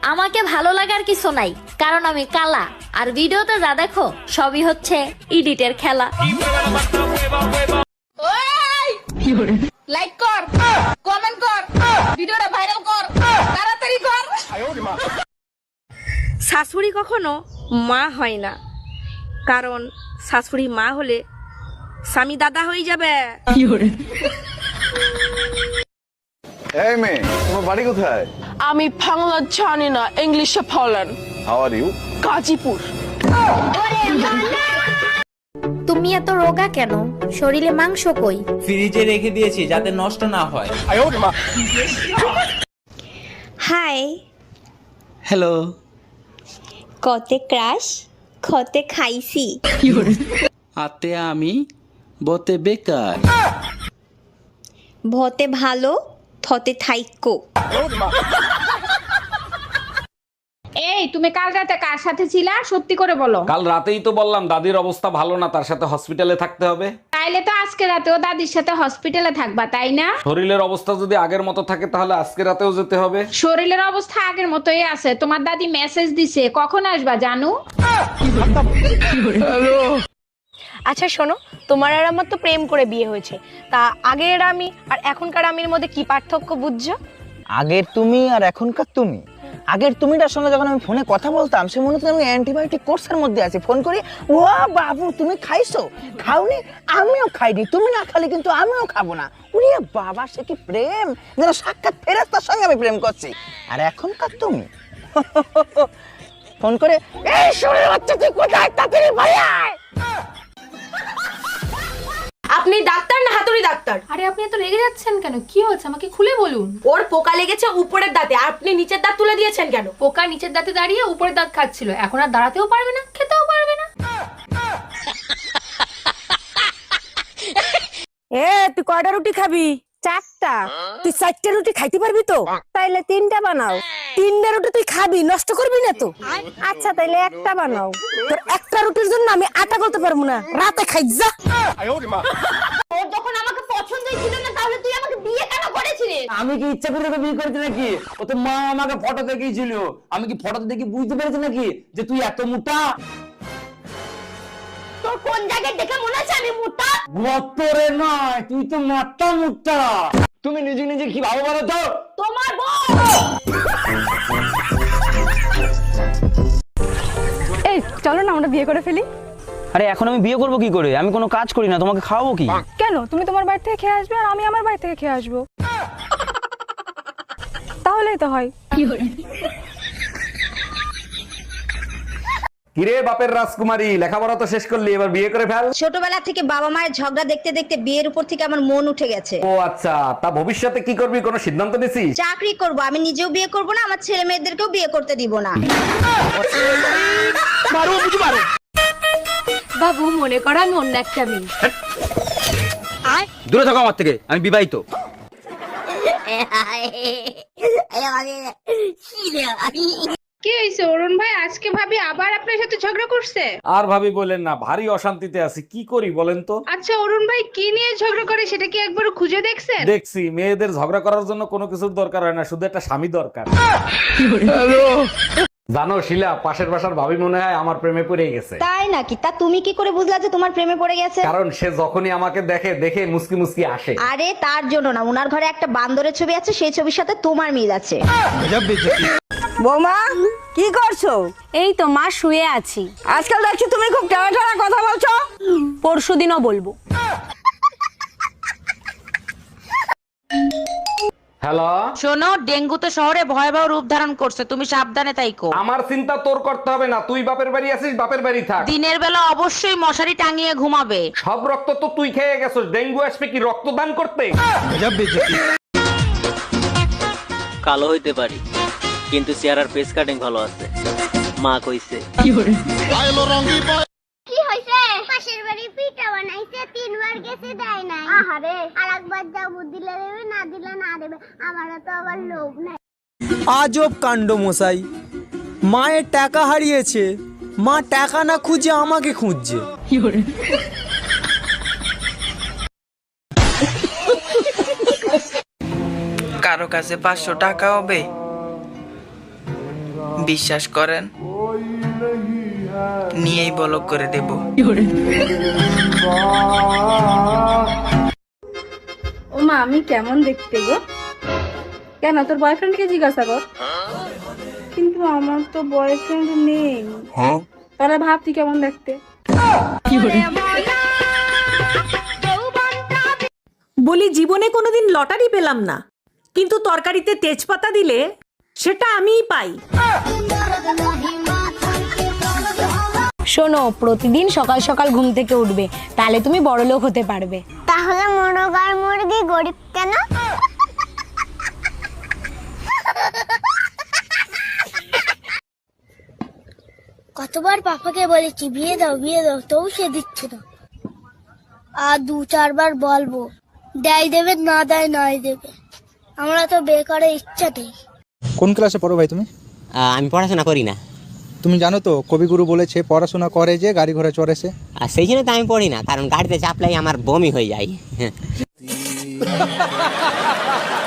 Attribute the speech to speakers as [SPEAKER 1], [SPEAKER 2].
[SPEAKER 1] আমাকে ভালো লাগার কিছু নাই, কারণ আমি কালা, আর ভিডিওতে যা দেখো সবই হচ্ছে এডিটের খেলা।
[SPEAKER 2] লাইক কর, কমেন্ট কর, ভিডিওটা ভাইরাল কর, তাড়াতাড়ি কর।
[SPEAKER 3] শাশুড়ি কখনো মা হয় না, কারণ শাশুড়ি মা হলে স্বামী দাদা হয়ে যাবে।
[SPEAKER 4] এই মেয়ে, তোমার বাড়ি কোথায়?
[SPEAKER 2] আমি বাংলা জানি না, ইংলিশে বলেন।
[SPEAKER 4] How are you?
[SPEAKER 2] গাজীপুর।
[SPEAKER 1] তুমি এত রোগা কেন? শরীরে মাংস কই?
[SPEAKER 5] ফ্রিজে রেখে দিয়েছি যাতে নষ্ট না হয়।
[SPEAKER 6] High,
[SPEAKER 5] hello.
[SPEAKER 6] কতে ক্রাশ, খতে খাইছি।
[SPEAKER 5] আতে আমি বতে বেকার।
[SPEAKER 6] ভতে ভালো, থতে থাইক্য।
[SPEAKER 7] এই তুমি কাল রাতে কার সাথে ছিলা, সত্যি করে বলো।
[SPEAKER 8] কাল রাতেই তো বললাম দাদির অবস্থা ভালো না, তার সাথে হসপিটালে থাকতে হবে।
[SPEAKER 7] তাইলে তো আজকে রাতেও দাদির সাথে হসপিটালে থাকবা, তাই না?
[SPEAKER 8] শরীরের অবস্থা যদি আগের মতো থাকে তাহলে আজকে রাতেও যেতে হবে।
[SPEAKER 7] শরীরের অবস্থা আগের মতোই আছে। তোমার দাদি মেসেজ দিছে, কখন আসবা জানু?
[SPEAKER 3] আচ্ছা শোনো, তোমার আর আমার তো প্রেম করে বিয়ে হয়েছে, তা আগের আমি আর এখনকার আমির মধ্যে কি পার্থক্য বুঝছো?
[SPEAKER 9] আগের তুমি আর এখনকার তুমি, আগের তুমিটার সঙ্গে যখন আমি ফোনে কথা বলতাম সে মনে হতো আমি অ্যান্টিবায়োটিক কোর্সের মধ্যে আছি। ফোন করি, ও বাবু তুমি খাইছো? খাওনি? আমিও খাইনি। তুমি না খালি কিন্তু আমিও খাবো না। ওরে বাবা, সে কি প্রেম! যেন সাক্ষাৎ ফেরেশতার সঙ্গে আমি প্রেম করছি। আর এখনকার তুমি ফোন করে, এই শরীর বাচ্চা তুই কোথায়, তাড়াতাড়ি বাড়ি আয়।
[SPEAKER 3] আপনি ডাক্তার না হাতুড়ি ডাক্তার?
[SPEAKER 2] আরে আপনি এত রেগে যাচ্ছেন কেন? কি হয়েছে আমাকে খুলে বলুন।
[SPEAKER 3] ওর পোকা লেগেছে উপরের দাঁতে, আপনি নিচের দাঁত তুলে দিয়েছেন কেন?
[SPEAKER 2] পোকা নিচের দাঁতে দাঁড়িয়ে উপরের দাঁত খাচ্ছিল, এখন আর দাঁড়াতেও পারবে না, খেতেও পারবে না।
[SPEAKER 3] তুই কয়টা রুটি খাবি? চারটা। তুই চারটা রুটি খাইতে পারবি তো? তাইলে তিনটা বানাও। তিনটা রুটি তুই খাবি, নষ্ট করবি না তো? আচ্ছা তাইলে একটা বানাও। তোর একটা রুটির জন্য আমি আটা করতে পারবো না, রাতে খাই যা।
[SPEAKER 6] তোর যখন আমাকে পছন্দই ছিল না, তাহলে তুই আমাকে বিয়ে কেন করেছিলি?
[SPEAKER 9] আমি কি ইচ্ছা করে তোকে বিয়ে করেছি নাকি? ও তো মা আমাকে ফটো দেখিয়েছিল। আমি কি ফটোতে দেখে বুঝতে পেরেছি নাকি যে তুই এত মোটা?
[SPEAKER 6] তোর কোন জায়গায় দেখে মনে হচ্ছে আমি মোটা?
[SPEAKER 9] গতরে নয়, তুই তো মাথা মোটা। তুমি নিজে নিজে কি ভাবো বলো তো?
[SPEAKER 6] তোমার বউ।
[SPEAKER 3] এই চলো না আমরা বিয়ে করে ফেলি।
[SPEAKER 9] আরে এখন আমি বিয়ে করবো কি করে? আমি কোনো কাজ করি না, তোমাকে খাওয়াবো কি?
[SPEAKER 3] কেন? তুমি তোমার বাড়ি থেকে খেয়ে আসবে আর আমি আমার বাড়ি থেকে খেয়ে আসবো, তাহলেই তো হয়।
[SPEAKER 8] কিরে বাপের রাজকুমারী, লেখাপড়া তো শেষ করলি, এবার বিয়ে করে ফেল।
[SPEAKER 6] ছোটবেলা থেকে বাবা মায়ের ঝগড়া দেখতে দেখতে বিয়ের উপর থেকে আমার মন উঠে গেছে।
[SPEAKER 8] ও আচ্ছা, তা ভবিষ্যতে কি করবি, কোনো সিদ্ধান্ত নিছিস?
[SPEAKER 6] চাকরি করব, আমি নিজেও বিয়ে করব না, আমার ছেলে মেয়েদেরকেও বিয়ে করতে দিব না।
[SPEAKER 2] বাবু মনে করো আমি অন্য একটা মেয়ে।
[SPEAKER 9] দূরে থাকো আমার থেকে, আমি বিবাহিত।
[SPEAKER 7] কি হয়েছে অরুণ ভাই, আজকে ভাবি আবার আপনার সাথে ঝগড়া করছে?
[SPEAKER 8] আর ভাবি বলেন না, ভারী অশান্তিতে আছি, কি করি বলেন তো?
[SPEAKER 7] আচ্ছা অরুণ ভাই কি নিয়ে ঝগড়া করে সেটা কি একবার খুঁজে দেখছেন?
[SPEAKER 8] দেখছি মেয়েদের ঝগড়া করার জন্য কোনো কিছুর দরকার হয় না, শুধু একটা স্বামী দরকার। জানো শিলা, পাশের বাসার ভাবি মনে হয় আমার প্রেমে পড়ে গেছে।
[SPEAKER 6] তাই নাকি? তা তুমি কি করে বুঝলা যে তোমার প্রেমে পড়ে গেছে?
[SPEAKER 8] কারণ সে যখনই আমাকে দেখে দেখে মুসকি মুসকি আসে।
[SPEAKER 6] আরে তার জন্য না, ওনার ঘরে একটা বান্দরের ছবি আছে, সেই ছবির সাথে তোমার মিল আছে।
[SPEAKER 3] বৌমা কি করছো? এই তো মা, শুয়ে আছি। আজকাল দেখছি তুমি খুব টানা টানা কথা বলছো। পরশুদিনও বলবো।
[SPEAKER 8] হ্যালো,
[SPEAKER 10] শোনো, ডেঙ্গু তো শহরে ভয়াবহ রূপ ধারণ করছে, তুমি সাবধানে থাইকো।
[SPEAKER 8] আমার চিন্তা তোর করতে হবে না, তুই বাপের বাড়ি আছিস, বাপের বাড়ি থাক।
[SPEAKER 10] দিনের বেলা অবশ্যই মশারি টাঙিয়ে ঘুমাবে।
[SPEAKER 8] সব রক্ত তো তুই খেয়ে গেছিস, ডেঙ্গু আসবে কি রক্তদান করতে?
[SPEAKER 5] কালো হইতে পারি কিন্তু চেহারার ফেস কাটিং ভালো আছে, মা কইছে।
[SPEAKER 6] কি হইছে? পাশের বাড়ি পিঠা বানাইছে, 3 বার গেছে দেয় নাই। আহারে, আরেকবার যাবো, দিলে দেবে, না দিলে না দেবে। আমারও তো আবার লোভ নাই।
[SPEAKER 11] আজব কাণ্ড মশাই, মায়ের টাকা হারিয়েছে, মা টাকা না খুঁজে আমাকে খুঁজছে।
[SPEAKER 12] কারো কাছে 500 টাকা হবে,
[SPEAKER 9] বিশ্বাস করেন, নিয়েই ব্লক করে দেব।
[SPEAKER 7] ও মা, আমি কেমন দেখতে গো? কেন, তোর বয়ফ্রেন্ডকে জিজ্ঞাসা কর। কিন্তু আমার তো বয়ফ্রেন্ড নেই। তাহলে ভাব তুই কেমন দেখতে।
[SPEAKER 3] বলি জীবনে কোনোদিন লটারি পেলাম না, কিন্তু তরকারিতে তেজপাতা দিলে সেটা আমিই পাই। শোনো, প্রতিদিন সকাল সকাল ঘুম থেকে উঠবে, তাহলে তুমি বড়লোক হতে পারবে।
[SPEAKER 6] তাহলে মোরগ আর মুরগি গরিব কেন? কতবার পাপাকে বলেছি বিয়ে দাও তবু সে দিচ্ছে না। আর 2-4 বার বলবো, দেয় দেবে, না দেয় নাই দেবে। আমরা তো বিয়ে করার ইচ্ছা নেই।
[SPEAKER 11] কোন ক্লাসে পড়ো ভাই তুমি?
[SPEAKER 5] আমি পড়াশোনা করি না।
[SPEAKER 11] তুমি জানো তো কবিগুরু বলেছে পড়াশোনা করে যে গাড়ি ঘোড়া চড়েছে।
[SPEAKER 5] আর সেই জন্য তো আমি পড়ি না, কারণ গাড়িতে চাপলাই আমার বমি হয়ে যায়।